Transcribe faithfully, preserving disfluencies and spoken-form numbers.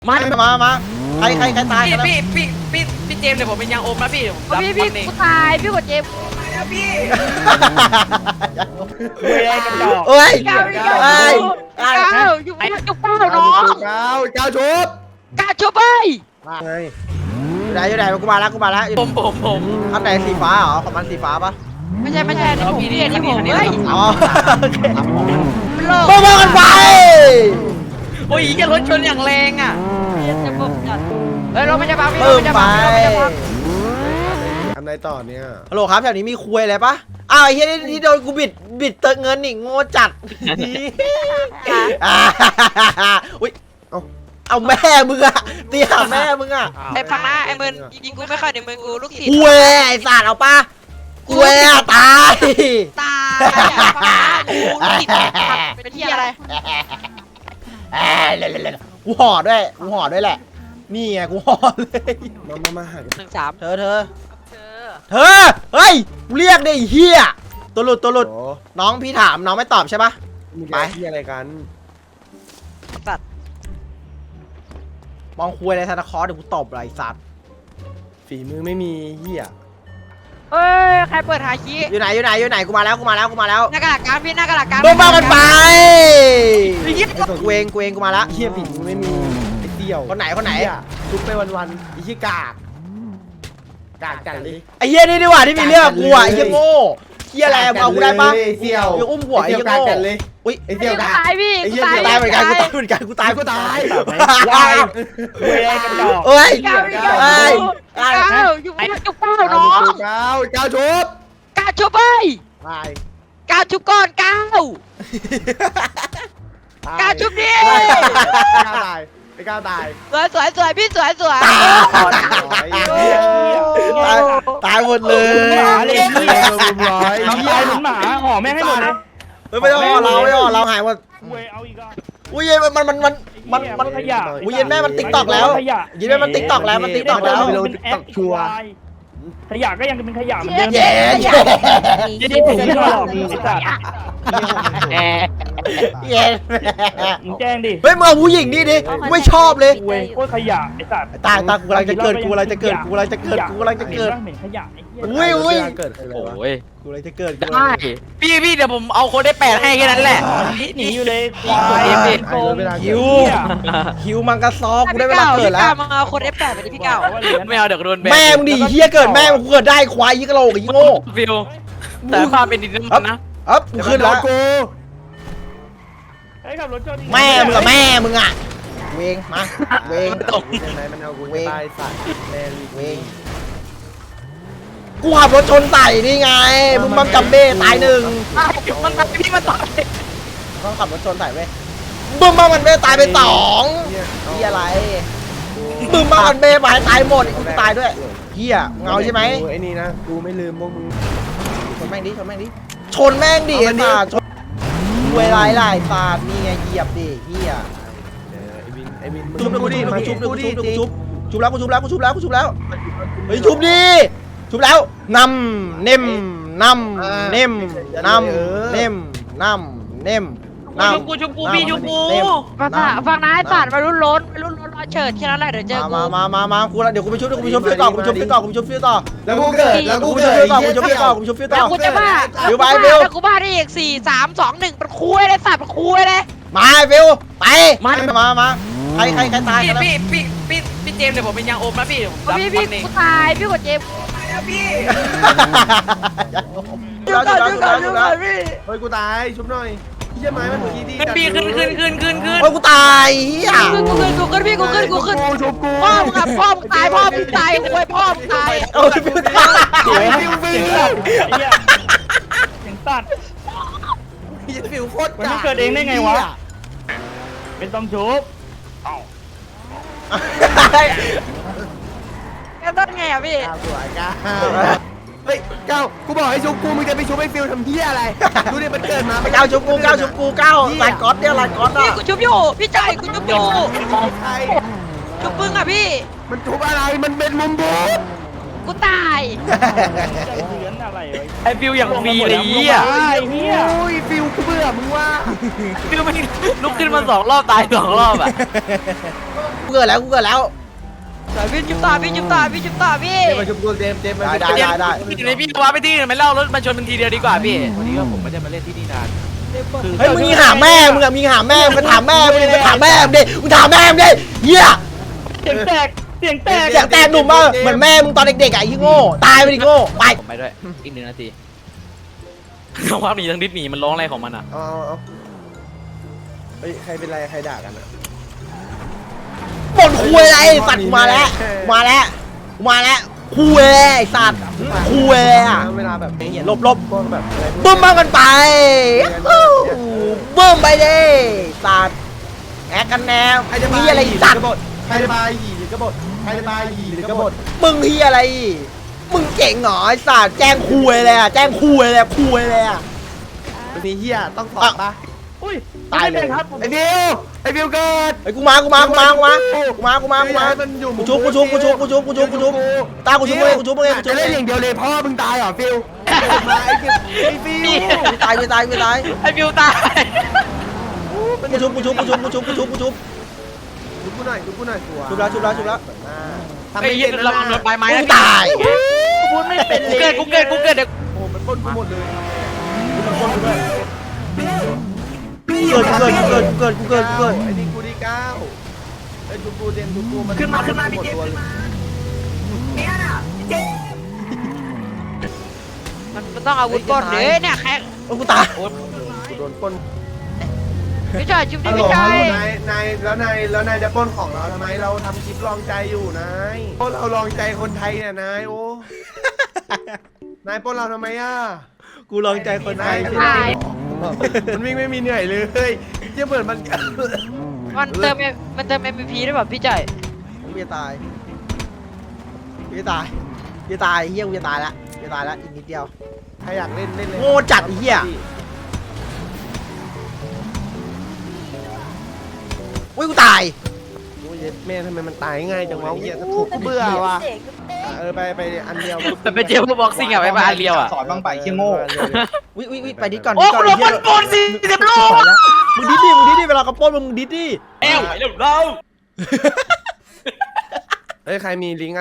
มามามาใครใครใครตายพี่พี่พี่พี่พี่เจมส์เดี๋ยวผมเป็นยางอมนะพี่ผมรับพี่พี่วันเองกูตายพี่กดเจมพี่เฮ้ยเก้าเฮ้ยเก้าเฮ้ยเก้าอยู่ไอ้จุกเก้าน้องเก้าเก้าชุบกาชุบไปไงอยู่ไหนอยู่ไหนกูมาแล้วกูมาแล้วผมผมผมอันไหนสีฟ้าเหรอของมันสีฟ้าปะไม่ใช่ไม่ใช่นี่ผมพี่นี่ผมเฮ้ยอ๋อมันโลกมามากันไปโอ้ยจะรถชนอย่างแรงอ่ะจะบุกจัดเฮ้ยเราไม่จะบังพี่เพิ่เรามไม่จะไปบังเราไม่จะบังทำไรต่อเนี่ยฮัลโหลครับแถวนี้มีคุยอะไรปะอ้าวไอ้เฮียนี่ที่โดนกูบิดบิดเติมเงินนี่โง่จัดอุ้ยเอาเอาแม่มึงอะตีหาแม่มึงอะไอ้พังนะไอ้มึนยิงกูไม่ค่อยเดี๋ยวมึงกูลูกศิษย์คุยไอ้สัตว์เอาปะคุยอะตายตายกูลูกศิษย์เป็นที่อะไรกูห่อด้วยกูห่อด้วยแหละนี่ไงกูห่อเลยมามามาหาหนึ่งสามเธอเธอเธอเฮ้ยกูเรียกได้เฮียตัวหลุดตัวหลุดโอ้น้องพี่ถามน้องไม่ตอบใช่ปะมีไปที่อะไรกันตัดมองคุยอะไรซานตาคลอสเดี๋ยวกูตบเลยไอ้สัตว์ฝีมือไม่มีเหี้ยเฮ้ยใครเปิดหาคีอยู่ไหนอยู่ไหนอยู่ไหนกูมาแล้วกูมาแล้วกูมาแล้วหน้ากระดาษการพี่หน้ากระดาษการโดนบ้ากันไปกูเองกูเองกูมาแล้วเหี้ยฝีมือไม่มีไอ้เดี่ยวคนไหนคนไหนเยชุบไปวันๆไอ้เหี้ยกากกากจังเลยไอ้เหี้ยนี่ดีกว่าที่มีเรื่องกับกูอ่ะไอ้เหี้ยโง่เหี้ยอะไรมึงเอากูได้ปะไอ้เสี่ยวอย่าอุ้มหัวไอ้ไอ้เหี้เสี่ยยวกากโง่จังเลยอุ้ยไอ้เสี่ยวกากตายพี่ไอ้เหี้ยตายตายเหมือนกันกูตายเหมือนกันกูตายกูตายวายเอ้ยเก้าเอ้ยเก้าเก้าอยู่ไอ้จุกเก้าน้องเก้าเก้าชุบกาชุบไปตายกาชุบก่อนเก้า กาชุบดิเก้าตายไอ้เก้าตายสวยสวยสวยพี่สวยสวยตายตายหมดเลยหมาเลยเหี้ยมุมร้อยน้องตายเหมือนหมาห่อแม่งให้หมดเลยเฮ้ยไม่ต้องเราไม่ต้องเราหายหมดเว้ยเอาอีกอ่ะอุ้ยมันมันมันมันมันมันขยะอุ้ยเย็นแม่มันติ๊กตอกแล้วขยะเย็นแม่มันติ๊กตอกแล้วมันติ๊กตอกแล้วเป็นแอปชัวร์ขยะก็ยังเป็นขยะเหมือนเดิมเย้เย้ยี่ดิผมไม่ชอบไอ้สัตว์เย้มึงแจ้งดิเฮ้ยมึงเอาผู้หญิงนี่ดิไม่ชอบเลยเว้ยโคตรขยะไอ้สัตว์ตายตายกูกำลังจะเกิดกูกำลังจะเกิดกูกำลังจะเกิดกูกำลังจะเกิดเหม็นขยะไอ้เหี้ยอุ้ยอุ้ยเกิดอะไรวะโอ้ยกูกำลังจะเกิดได้พี่พี่เดี๋ยวผมเอาโค้ดได้แปดให้แค่นั้นแหละหนีอยู่เลยควายเอ็มโกงคิวคิวมังกรซอกูได้เวลาเกิดแล้วพี่ก้ามาเอาคนเอฟแปดไปดิพี่เก้าไม่เอาเดี๋ยวโดนแบนแม่มึงดิเฮียเกิดแม่มึงเกิดได้ควายยี่กะโหลกยี่โง่ฟิวแต่ภาพเป็นดินน้ำมันนะเอ๊บกูขึ้นแล้วกูไอ้ขับรถชนแม่มึงกับแม่มึงอ่ะเวงมาเวงตกยังไงมันเอากูตายสัตว์แมรี่เวงกูขับรถชนใส่นี่ไงมึงบังกับเบ้ตายหนึ่งมันตายพี่มันตายต้องขับรถชนใส่เว้ยบึ้มบ้ามันเบ้ตายไปสองเฮียอะไรบึ้มบ้ามันเบ้ไปตายหมดกูตายด้วยเฮียเงาใช่ไหมไอ้นี่นะกูไม่ลืมพวกมึงชนแม่งดิชนแม่งดิชนแม่งดิไอ้สัตว์ชนเวลาหลายฟาดนี่ไงเหยียบดิเฮียไอ้วินไอ้วินชุบหนึ่งกูชุบหนึ่งกูชุบหนึ่งกูชุบชุบแล้วกูชุบแล้วกูชุบแล้วกูชุบแล้วเฮ้ยชุบดิชุบแล้วนำเน่มนำเน่มนำเน่มนำเน่มนำชุบกูชุบกูพี่ชุบกูฟังนะฟังนะไอ้สัตว์มารุ่นล้นมารุ่นล้นรอเฉิดแค่นั้นแหละเดี๋ยวเจอกูมามามามากูแล้วเดี๋ยวกูไปชุบกูไปชุบฟิวต่อกูไปชุบฟิวต่อกูไปชุบฟิวต่อแล้วกูเกิดแล้วกูกูไปชุเกิบดฟิวต่อกูชุบฟิวต่อกูชุบฟิวต่แล้วอกูจะบ้าเดี๋ยวไปแล้วเร็วกูบ้าได้อีกสี่สามสองหนึ่งเป็นคุยเลยสัตว์เป็นคุยเลยมาฟิวไปมามามาใครใครใครตายพี่กันแล้วพี่พี่พี่พี่เจมส์เดี๋ยวผมเป็นยางอมนะพี่ผมรับพี่วัพี่นเองกูตายพี่กดเจมพี่ชุบแล้วชุบแล้วชุบแล้วชุบแล้วเฮ้ยกูตายชุบหน่อยพี่จะไม้มันเมื่อกี้ดีพี่ขึ้นขึ้นขึ้นขึ้นขึ้นโอ้ยกูตายเฮียกูขึ้นกูขึ้นพี่กูขึ้นกูขึ้นกูชุบกูพ่อมึงอะพ่อมึงตายพ่อมึงตายคุยพ่อมึงตายโอ้ยฟิวตายสวยฟิวฟิวไอ้เหี้ยเสียงตัดพี่ฟิวโคตรมันไม่เกิดเองได้ไงวะ เป็นต้องชุบแกต้นไงอะพี่สวยก้าวเฮ้ยก้าวกูบอกให้ชุบกูมึงจะไปชุบไอ้ฟิวทำเหี้ยอะไรดูดิมันเกิดมาเก้าชุบกูเก้าชุบกูเก้าลายก๊อตเนี่ยลายก๊อตพี่อ่ะกูชุบอยู่พี่ใจกูชุบอยู่ใครชุบมึงอะพี่มันชุบอะไรมันเป็นมุมบูกูตายใจเสือนอะอะไรวะไอ้ฟิวอย่างฟรีเลยไอ้เหี้ยไอ้เหี้ยโอ้ยฟิวกูเบื่อมึงว่าฟิวไม่ลุกขึ้นมาสองรอบตายสองรอบอ่ะกูเกิดแล้วกูเกิดแล้วพี่จุ๊บตาพี่จุ๊บตาพี่จุ๊บตาพี่เจมส์มาชุบกูเจมส์เจมส์มาได้ชุบได้กูได้ได้พี่ในพี่ว่าไปที่อื่นไม่เล่ารถมาชนมันทีเดียวดีกว่าพี่วันนี้ก็ผมไม่ได้มาเล่นที่นี่นานเฮ้ยมึงยิงหาแม่มึงอะมึงหาแม่มึงถามแม่มึงไปถามแม่มึงดิมึงถามแม่มึงดิเหี้ยเสียงแตกเสียงแตกเสียงแตกหนุ่มมากเหมือนแม่มึงตอนเด็กๆอะไอ้ที่โง่ตายไปดิโง่ไปผมไปด้วยอีกหนึ่งนาทีทั้งว่าหนีทั้งดิสหนีมันร้องอะไรของมันอ่ะเอาเอาเอาเฮ้ยใครเป็นไรใครด่ากันอ่ะบ่นคุยอะไรสัตว์กูมาแล้วกูมาแล้วกูมาแล้วคุยไอ้สัตว์คุยอะเวลาแบบนี้หลบหลบพวกแบบอะไรพวกบึ้มมากกันไปฮู้บึ้มไปดิสัตว์แอคกันแนวใครจะมีอะไรสัตว์ใครจะบายหยีหรือกบฏใครจะบายหยีหรือกบฏมึงที่อะไร มึงเก่งเหรอไอ้สัตว์แจ้งคุยเลยอะแจ้งคุยเลยคุยเลยอะมันมีเฮียต้องสอบปะอุ้ยตายเลยครับไอ้บิวไอ้บิวเกิดไอ้ยกูมากูมากูมากูมากูมากูมากูมามันอยู่กูชุบกูชุบกูชุบกูชุบกูชุบกูชุบตากูชุบมึงเองกูชุบมึงเองกูชุจะบมึเล่งนเออง ย่างเดียวเลยพ่อมึงตายเหรอฟิวมาไอ้ฟิวไอ้ฟิวกูตายกูตายกูตายไอ้ฟิวตายกูชุบกูชุบกูชุบกูชุบกูชุบกูชุบดูกูหน่อยดูกูหน่อยตัวชุบแล้วชุบแล้วชุบแล้วทำไอ้ไม่เหี้เย็ยนระวังโดนใบไม้กูนะตายพูดไม่เป็นกูเกิดกูเกิดกูเกิดเดี๋ยวโอ้มันปล้นกูหมดเลยเกิดเกิดเกิดเกิดเกิดเกิดไอ้นี่กูที่เก้าไอ้ดูกูเจนดูกูมันขึ้นมาขึ้นมาหมพี่ดเจมตัวส์เลยมันมันต้องอาวุธก่อนเด้เนี่ยแค่โอ้กูตายกูโดนปล้นพี่ชายจุ๊บดิฮัลโหลพี่ชาฮัลยโหลนายนายแล้วนายแล้วนายจะปล้นของเราทำไมเราทำคลิปลองใจอยู่นายพวกเราลองใจคนไทยเนี่ยนายโอ้นายปล้นเราทำไมอ่ะกูลองใจคนไทนายยตายมันวิ่งไม่มีเหนื่อยเลยเยี่ยเหมือนมันมันเติมมันเติม เอ็ม วี พี ได้แบบพี่จ่ายกูจะตายกูจะตายกูจะตายเฮียกูจะตายละกูจะตายละอีกนิดเดียวใครอยากเล่นเล่นเลยโง่จัดไอ้เหี้ย อุ้ยกูตายโอ้ยแม่ทำไมมันตายง่ายจังวะเหี้ยถูกกูเบื่อว่ะเออไปไปอันเดียวมันเป็นเจมส์บ็อกซิ่งอะไปบ้านเรียวอะสอนบ้างไปเชี่ยโง่อุ้ยอุ้ยอุ้ยไปดิก่อนโอ้ดิก่อนกูโดนไอ้เหี้ยปนสิเจ็บลูกไปแล้วมึงดิดดิมึงดิดดิเวลากระโปรงมึงดิดดิเอ้วไปเร็วเราเฮ้ยใครมีลิงก์